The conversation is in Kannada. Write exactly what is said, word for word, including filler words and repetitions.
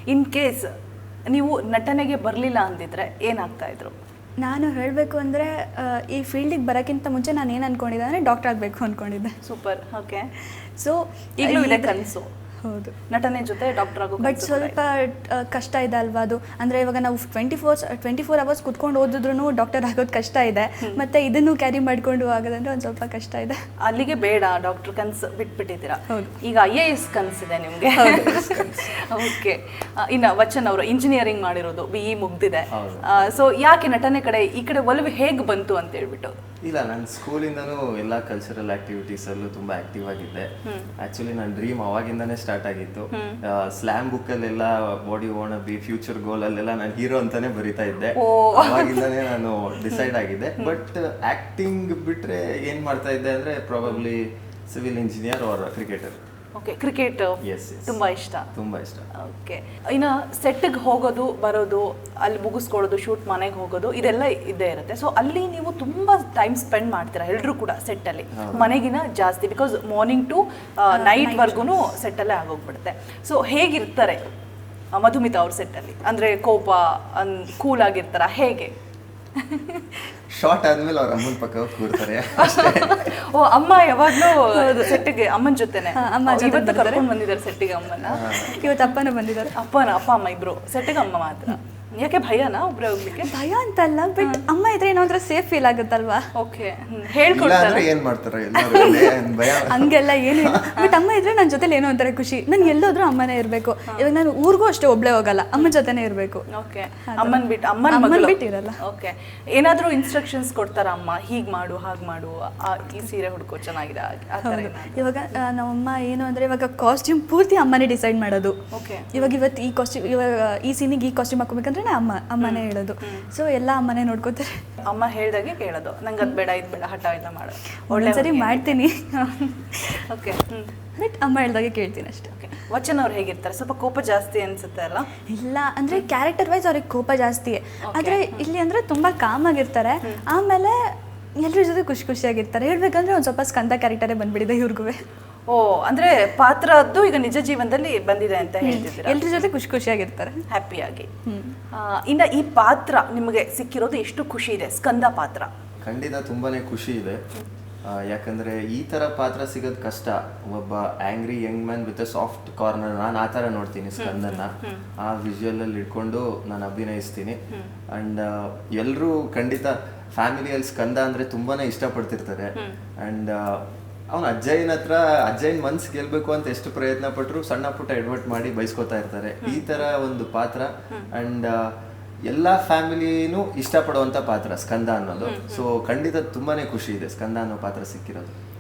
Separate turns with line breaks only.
ಇನ್ ಕೇಸ್ ನೀವು ನಟನೆಗೆ ಬರಲಿಲ್ಲ ಅಂದಿದ್ರೆ ಏನಾಗ್ತಾ ಇದ್ರು?
ನಾನು ಹೇಳಬೇಕು ಅಂದರೆ ಈ ಫೀಲ್ಡಿಗೆ ಬರೋಕ್ಕಿಂತ ಮುಂಚೆ ನಾನು ಏನು ಅಂದ್ಕೊಂಡಿದ್ದೆ ಅಂದರೆ ಡಾಕ್ಟರ್ ಆಗಬೇಕು ಅಂದ್ಕೊಂಡಿದ್ದೆ.
ಸೂಪರ್. ಓಕೆ.
ಸೊ
ಈಗಲೂ ಇದೆ ಕನಸು?
ಹೌದು,
ನಟನೆ ಜೊತೆ ಡಾಕ್ಟರ್ ಆಗೋ.
ಬಟ್ ಸ್ವಲ್ಪ ಕಷ್ಟ ಇದೆ ಅಲ್ವಾ ಅದು. ಅಂದರೆ ಇವಾಗ ನಾವು twenty four twenty four hours ಕುತ್ಕೊಂಡು ಓದಿದ್ರು ಡಾಕ್ಟರ್ ಆಗೋದು ಕಷ್ಟ ಇದೆ, ಮತ್ತು ಇದನ್ನು ಕ್ಯಾರಿ ಮಾಡಿಕೊಂಡು ಆಗೋದಂದ್ರೆ ಒಂದು ಸ್ವಲ್ಪ ಕಷ್ಟ ಇದೆ.
ಅಲ್ಲಿಗೆ ಬೇಡ, ಡಾಕ್ಟರ್ ಕನಸು ಬಿಟ್ಬಿಟ್ಟಿದ್ದೀರಾ. ಈಗ ಐ ಎ ಎಸ್ ಕನಸಿದೆ ನಿಮಗೆ. ಓಕೆ. ಇನ್ನು ವಚನ್ ಅವರು ಇಂಜಿನಿಯರಿಂಗ್ ಮಾಡಿರೋದು, ಬಿ ಇ ಮುಗ್ದಿದೆ. ಸೊ ಯಾಕೆ ನಟನೆ ಕಡೆ ಈ ಕಡೆ ಒಲವು ಹೇಗೆ ಬಂತು ಅಂತ ಹೇಳ್ಬಿಟ್ಟು?
ಇಲ್ಲ, ನಾನು ಸ್ಕೂಲಿಂದನೂ ಎಲ್ಲ ಕಲ್ಚರಲ್ ಆಕ್ಟಿವಿಟೀಸಲ್ಲೂ ತುಂಬ ಆಕ್ಟಿವ್ ಆಗಿದ್ದೆ. ಆಕ್ಚುಲಿ ನನ್ನ ಡ್ರೀಮ್ ಅವಾಗಿಂದಾನೇ ಸ್ಟಾರ್ಟ್ ಆಗಿತ್ತು. ಸ್ಲ್ಯಾಮ್ ಬುಕ್ಕಲ್ಲೆಲ್ಲ ಬಾಡಿ ಓಣ ಬಿ ಫ್ಯೂಚರ್ ಗೋಲ್ ಅಲ್ಲೆಲ್ಲ ನಾನು ಹೀರೋ ಅಂತಾನೆ ಬರಿತಾ ಇದ್ದೆ. ಅವಾಗಿಂದಾನೇ ನಾನು ಡಿಸೈಡ್ ಆಗಿದ್ದೆ. ಬಟ್ ಆಕ್ಟಿಂಗ್ ಬಿಟ್ರೆ ಏನ್ ಮಾಡ್ತಾ ಇದ್ದೆ ಅಂದ್ರೆ probably civil engineer or cricketer.
Okay. Cricket ತುಂಬಾ ಇಷ್ಟ?
ತುಂಬಾ ಇಷ್ಟ.
ಓಕೆ. ಇನ್ನು ಸೆಟ್ಗೆ ಹೋಗೋದು ಬರೋದು, ಅಲ್ಲಿ ಮುಗಿಸ್ಕೊಳ್ಳೋದು, ಶೂಟ್ ಮನೆಗೆ ಹೋಗೋದು, ಇದೆಲ್ಲ ಇದ್ದೇ ಇರುತ್ತೆ. ಸೊ ಅಲ್ಲಿ ನೀವು ತುಂಬಾ ಟೈಮ್ ಸ್ಪೆಂಡ್ ಮಾಡ್ತೀರಾ ಎಲ್ಲರೂ ಕೂಡ ಸೆಟ್ಟಲ್ಲಿ, ಮನೆಗಿನ ಜಾಸ್ತಿ. ಬಿಕಾಸ್ ಮಾರ್ನಿಂಗ್ ಟು ನೈಟ್ ವರ್ಗು ಸೆಟ್ಟಲ್ಲೇ ಆಗೋಗ್ಬಿಡುತ್ತೆ. ಸೊ ಹೇಗಿರ್ತಾರೆ ಮಧುಮಿತಾ ಅವ್ರ ಸೆಟ್ಟಲ್ಲಿ? ಅಂದರೆ ಕೋಪ, ಕೂಲ್ ಆಗಿರ್ತಾರ ಹೇಗೆ?
ಶಾರ್ಟ್ ಆದ್ಮೇಲೆ ಅವ್ರ ಅಮ್ಮನ ಪಕ್ಕ ಕೂರ್ತಾರೆ.
ಓ, ಅಮ್ಮ ಯಾವಾಗ್ಲೂ ಸೆಟ್ಟಿಗೆ ಅಮ್ಮನ ಜೊತೆನೆ?
ಅಮ್ಮ
ಇವತ್ತು ಕರ್ಕೊಂಡು ಬಂದಿದ್ದಾರೆ ಸೆಟ್ಟಿಗೆ ಅಮ್ಮನ?
ಇವತ್ತು ಅಪ್ಪನ ಬಂದಿದ್ದಾರೆ.
ಅಪ್ಪನ ಅಪ್ಪ ಅಮ್ಮ ಇಬ್ರು, ಸೆಟ್ಟಿಗೆ ಅಮ್ಮ ಮಾತ್ರ. ಯಾಕೆ ಭಯನಾ ಒಬ್ರೆ ಹೋಗ್ಲಿಕ್ಕೆ?
ಭಯ ಅಂತಲ್ಲ, ಬಟ್ ಅಮ್ಮ ಇದ್ರೆ ಏನೋ ಒಂಥರ ಸೇಫ್ ಫೀಲ್ ಆಗುತ್ತಲ್ವಾ.
ಓಕೆ. ಹೇಳ್ಕೊಡ್ತಾರೆ
ಏನ್ ಮಾಡ್ತಾರೆ
ಹಂಗೆಲ್ಲ ಏನು, ಬಟ್ ಅಮ್ಮ ಇದ್ರೆ ನನ್ನ ಜೊತೆಲಿ ಏನೋ ಒಂಥರ ಖುಷಿ. ನನ್ಗೆ ಎಲ್ಲೋದ್ರೂ ಅಮ್ಮನೇ ಇರಬೇಕು. ಇವಾಗ ನಾನು ಊರಿಗೂ ಅಷ್ಟೇ ಒಬ್ಳೆ ಹೋಗಲ್ಲ, ಅಮ್ಮನ ಜೊತೆನೇ ಇರಬೇಕು.
ಓಕೆ. ಅಮ್ಮನ್ ಬಿಟ್ಟು ಅಮ್ಮನ
ಬಿಟ್ಟು ಇರಲ್ಲ.
ಓಕೆ. ಏನಾದ್ರೂ ಇನ್ಸ್ಟ್ರಕ್ಷನ್ಸ್ ಕೊಡ್ತಾರ ಅಮ್ಮ, ಹೀಗ್ ಮಾಡು ಹಾಗ್ ಮಾಡು, ಈ ಸೀರೆ ಹುಡ್ಕೋ ಚೆನ್ನಾಗಿದೆ ಆ ಥರ?
ಇವಾಗ ನಮ್ಮಮ್ಮ ಏನು ಅಂದ್ರೆ ಇವಾಗ ಕಾಸ್ಟ್ಯೂಮ್ ಪೂರ್ತಿ ಅಮ್ಮನೇ ಡಿಸೈಡ್ ಮಾಡೋದು.
ಓಕೆ.
ಇವಾಗ ಇವತ್ತು ಈ ಕಾಸ್ಟ್ಯೂಮ್, ಇವಾಗ ಈ ಸೀನಿಗೆ ಈ ಕಾಸ್ಟ್ಯೂಮ್ ಹಾಕೋಬೇಕಂದ್ರೆ ಅಮ್ಮ ಅಮ್ಮನೇ ಹೇಳೋದು. ಸೊ ಎಲ್ಲ ಅಮ್ಮನೇ ನೋಡ್ಕೋತಾರೆ.
ಅಮ್ಮ ಹೇಳ್ದಾಗೆ ಕೇಳೋದು, ನಂಗೆ ಅದು ಬೇಡ ಇದು ಬೇಡ ಹಠ ಎಲ್ಲ ಮಾಡೋದು.
ಒಳ್ಳೆ ಸರಿ ಮಾಡ್ತೀನಿ.
ಓಕೆ.
ಬಟ್ ಅಮ್ಮ ಹೇಳ್ದಾಗೆ ಕೇಳ್ತೀನಿ ಅಷ್ಟೇ.
ಓಕೆ. ವಚನ್ ಅವ್ರು ಹೇಗಿರ್ತಾರೆ? ಸ್ವಲ್ಪ ಕೋಪ ಜಾಸ್ತಿ ಅನ್ಸುತ್ತೆ ಅಲ್ಲ?
ಇಲ್ಲ, ಅಂದ್ರೆ ಕ್ಯಾರೆಕ್ಟರ್ ವೈಸ್ ಅವ್ರಿಗೆ ಕೋಪ ಜಾಸ್ತಿ. ಆದ್ರೆ ಇಲ್ಲಿ ಅಂದ್ರೆ ತುಂಬಾ ಕಾಮ್ ಆಗಿರ್ತಾರೆ. ಆಮೇಲೆ ಎಲ್ಲರ ಜೊತೆ ಖುಷಿ ಖುಷಿಯಾಗಿರ್ತಾರೆ. ಹೇಳ್ಬೇಕಂದ್ರೆ ಒಂದು ಸ್ವಲ್ಪ ಸ್ಕಂದ ಕ್ಯಾರೆಕ್ಟರೇ ಬಂದ್ಬಿಡಿದೆ ಇವ್ರಿಗೂ.
ಓ, ಅಂದ್ರೆ ಪಾತ್ರದ್ದು ಈಗ ನಿಜ ಜೀವನದಲ್ಲಿ ಬಂದಿದೆ ಅಂತ ಹೇಳ್ತಿದ್ದೀರಾ?
ಎಲ್ಲರ ಜೊತೆ ಖುಷಿ ಖುಷಿಯಾಗಿರ್ತಾರೆ,
ಹ್ಯಾಪಿಯಾಗಿ. ಇನ್ನು ಈ ಪಾತ್ರ ನಿಮಗೆ ಸಿಕ್ಕಿರೋದು ಎಷ್ಟು ಖುಷಿ ಇದೆ? ಸ್ಕಂದ ಪಾತ್ರ
ಖಂಡಿತ ತುಂಬಾನೇ ಖುಷಿ ಇದೆ. ಯಾಕಂದ್ರೆ ಈ ತರ ಪಾತ್ರ ಸಿಗೋದು ಕಷ್ಟ. ಒಬ್ಬ angry young man with a soft corner, ನಾನು ಆ ಥರ ನೋಡ್ತೀನಿ ಸ್ಕಂದನ್ನ. ಆ ವಿಜುವಲ್ ಅಲ್ಲಿ ಇಟ್ಕೊಂಡು ನಾನು ಅಭಿನಯಿಸ್ತೀನಿ. ಅಂಡ್ ಎಲ್ಲರೂ ಖಂಡಿತ ಫ್ಯಾಮಿಲಿಯಲ್ಲಿ ಸ್ಕಂದ ಅಂದ್ರೆ ತುಂಬಾನೇ ಇಷ್ಟಪಡ್ತಿರ್ತಾರೆ. ಅಂಡ್ ಅವನು ಅಜ್ಜಯ್ಯನ ಹತ್ರ ಅಜ್ಜಯ್ಯನ ಮನ್ಸು ಗೆಲ್ಬೇಕು ಅಂತ ಎಷ್ಟು ಪ್ರಯತ್ನ ಪಟ್ಟರು ಸಣ್ಣ ಪುಟ್ಟ ಎಡ್ವರ್ಟ್ ಮಾಡಿ ಬಯಸ್ಕೋತಾ ಇರ್ತಾರೆ. ಈ ತರ ಒಂದು ಪಾತ್ರ. ಅಂಡ್ ಎಲ್ಲಾ ಫ್ಯಾಮಿಲಿನೂ ಇಷ್ಟಪಡುವಂತ ಪಾತ್ರ ಸ್ಕಂದ ಅನ್ನೋದು. ಸೊ ಖಂಡಿತ ತುಂಬಾನೇ ಖುಷಿ ಇದೆ ಸ್ಕಂದ ಅನ್ನೋ ಪಾತ್ರ ಸಿಕ್ಕಿರೋದು.